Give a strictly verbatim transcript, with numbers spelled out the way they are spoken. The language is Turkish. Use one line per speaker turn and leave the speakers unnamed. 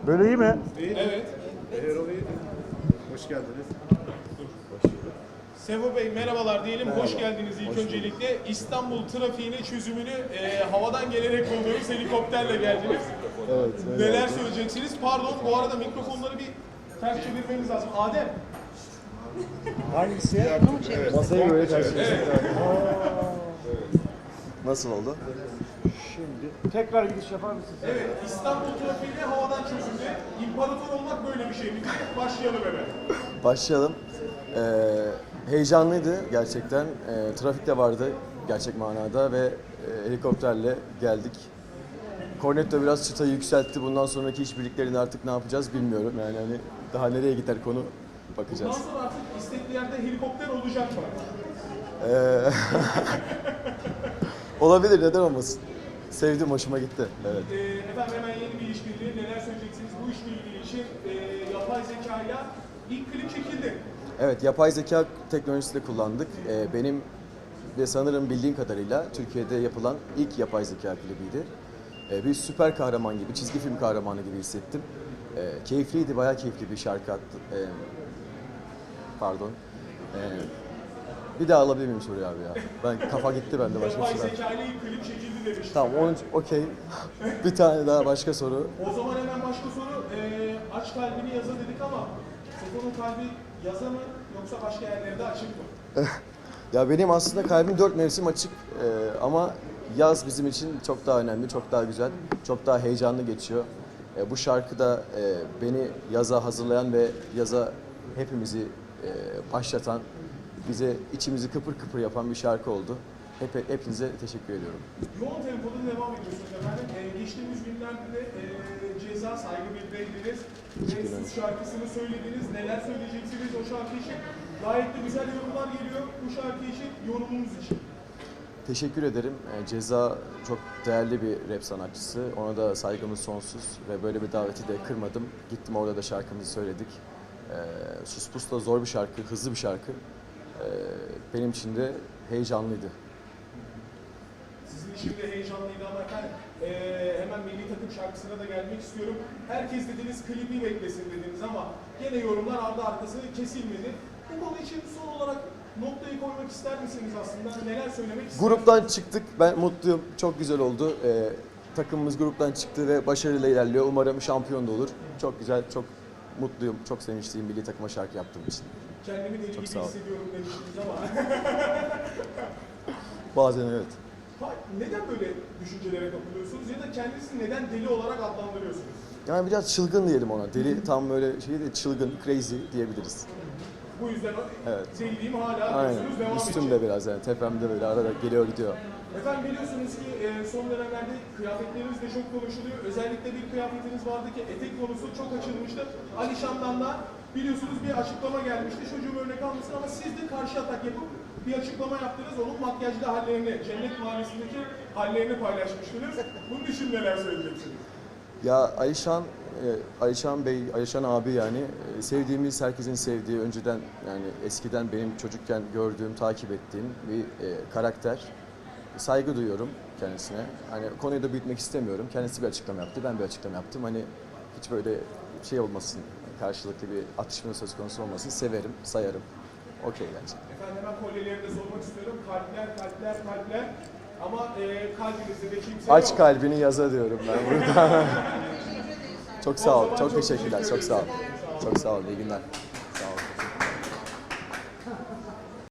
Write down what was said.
Böyle iyi mi?
Evet.
Erol Bey, hoş geldiniz.
Sevo Bey merhabalar diyelim. Hoş geldiniz ilk öncelikle. İstanbul trafiğinin çözümünü e, havadan gelerek buluyoruz. Helikopterle geldiniz.
Evet.
Neler söyleyeceksiniz? Pardon bu arada mikrofonları bir ters çevirmeniz lazım. Adem.
Hangisi?
Evet.
Masayı böyle karşılaştık.
Nasıl oldu?
Şimdi tekrar gidiş yapar mısınız?
Evet, İstanbul trafiğini havadan çözümlü. İmparator olmak böyle bir şey mi? Başlayalım hemen.
Başlayalım. Ee, heyecanlıydı gerçekten. Ee, trafik de vardı gerçek manada ve e, helikopterle geldik. Cornetto biraz çıtayı yükseltti. Bundan sonraki işbirliklerini artık ne yapacağız bilmiyorum. Yani hani daha nereye gider konu bakacağız.
Bundan sonra artık istekli yerde helikopter olacak mı?
Ee, olabilir, neden olmasın? Sevdim, hoşuma gitti. Evet.
E, efendim hemen yeni bir işbirliği. Neler söyleyeceksiniz? Bu işbirliği için e, yapay zekayla ilk klip çekildi.
Evet, yapay zeka teknolojisi de kullandık. Ee, benim ve sanırım bildiğim kadarıyla Türkiye'de yapılan ilk yapay zeka klibiydi. Ee, bir süper kahraman gibi, çizgi film kahramanı gibi hissettim. Ee, keyifliydi, bayağı keyifli bir şarkı attı. Ee, pardon. Ee, bir daha alabilir miyim soruyu abi ya? Ben kafa gitti bende başka bir
Yapay
şey var.
zekayla ilk klip çekildi demiştim.
Tamam, onun okey. Bir tane daha başka soru.
O zaman hemen başka soru. E, aç kalbini yaza dedik ama Sefo'nun kalbi yaza mı yoksa başka yerlerde açık mı?
Ya benim aslında kalbim dört mevsim açık Ee, ama yaz bizim için çok daha önemli, çok daha güzel, çok daha heyecanlı geçiyor. Ee, bu şarkı da e, beni yaza hazırlayan ve yaza hepimizi e, başlatan, bize içimizi kıpır kıpır yapan bir şarkı oldu. Hep, hepinize teşekkür ediyorum.
Yoğun tempoda devam ediyorsunuz efendim. Ee, geçtiğimiz günlerde de e, Ceza Saygı Bildirdiniz. Ve siz şarkısını söylediniz. Neler söyleyeceksiniz o şarkı için? Gayet de güzel yorumlar geliyor bu şarkı için, yorumunuz için.
Teşekkür ederim. Ee, Ceza çok değerli bir rap sanatçısı. Ona da saygımız sonsuz ve böyle bir daveti de kırmadım. Gittim orada da şarkımızı söyledik. Ee, Sus Pus da zor bir şarkı, hızlı bir şarkı. Ee, benim için de heyecanlıydı.
Sizin için de heyecanlıydı ama efendim e, hemen milli takım şarkısına da gelmek istiyorum. Herkes dediniz klibi beklesin dediniz ama gene yorumlar ardı arkası kesilmedi. Bu konu için son olarak noktayı koymak ister misiniz aslında? Neler söylemek istersiniz?
Gruptan çıktık. Ben mutluyum. Çok güzel oldu. Ee, takımımız gruptan çıktı ve başarıyla ilerliyor. Umarım şampiyon da olur. Çok güzel, çok mutluyum. Çok sevinçliyim milli takıma şarkı yaptığım için.
Kendimi deli gibi
sağ ol.
hissediyorum demiştiniz ama
Bazen evet.
Ha, neden böyle düşüncelere kapılıyorsunuz ya da kendinizi neden deli olarak adlandırıyorsunuz?
Yani biraz çılgın diyelim ona. Deli tam böyle şey değil, çılgın, crazy diyebiliriz.
Bu yüzden
Evet.
deliliğim hala
Aynen.
diyorsunuz, devam edecek.
Üstümde biraz yani. Tepemde böyle arada geliyor gidiyor.
Efendim biliyorsunuz ki e, son dönemlerde kıyafetleriniz de çok konuşuluyor. Özellikle bir kıyafetiniz vardı ki etek konusu çok açılmıştı. Alişan'dan da biliyorsunuz bir açıklama gelmişti. Çocuğum örnek almışsın ama siz de karşı atak yapıp bir açıklama yaptınız. Onun makyajlı hallerini, Cennet Mahallesi'ndeki hallerini paylaşmıştınız. Bunun için neler söyleyeceksiniz?
Ya Alişan, e, Alişan Bey, Alişan abi yani e, sevdiğimiz, herkesin sevdiği, önceden yani eskiden benim çocukken gördüğüm, takip ettiğim bir e, karakter. Saygı duyuyorum kendisine. Hani konuyu da büyütmek istemiyorum. Kendisi bir açıklama yaptı, ben bir açıklama yaptım. Hani hiç böyle şey olmasın, karşılıklı bir atışma söz konusu olmasın. Severim, sayarım. Okey bence.
Efendim hemen kolyeleri de sormak istiyorum. Kalpler, kalpler, kalpler. Ama e, kalbinizde de kimse
Aç
yok.
kalbini yaza diyorum ben burada. Çok sağ ol,
O zaman
çok
çok
teşekkürler,
teşekkür
çok sağ ol.
ederim.
Çok sağ ol, iyi günler.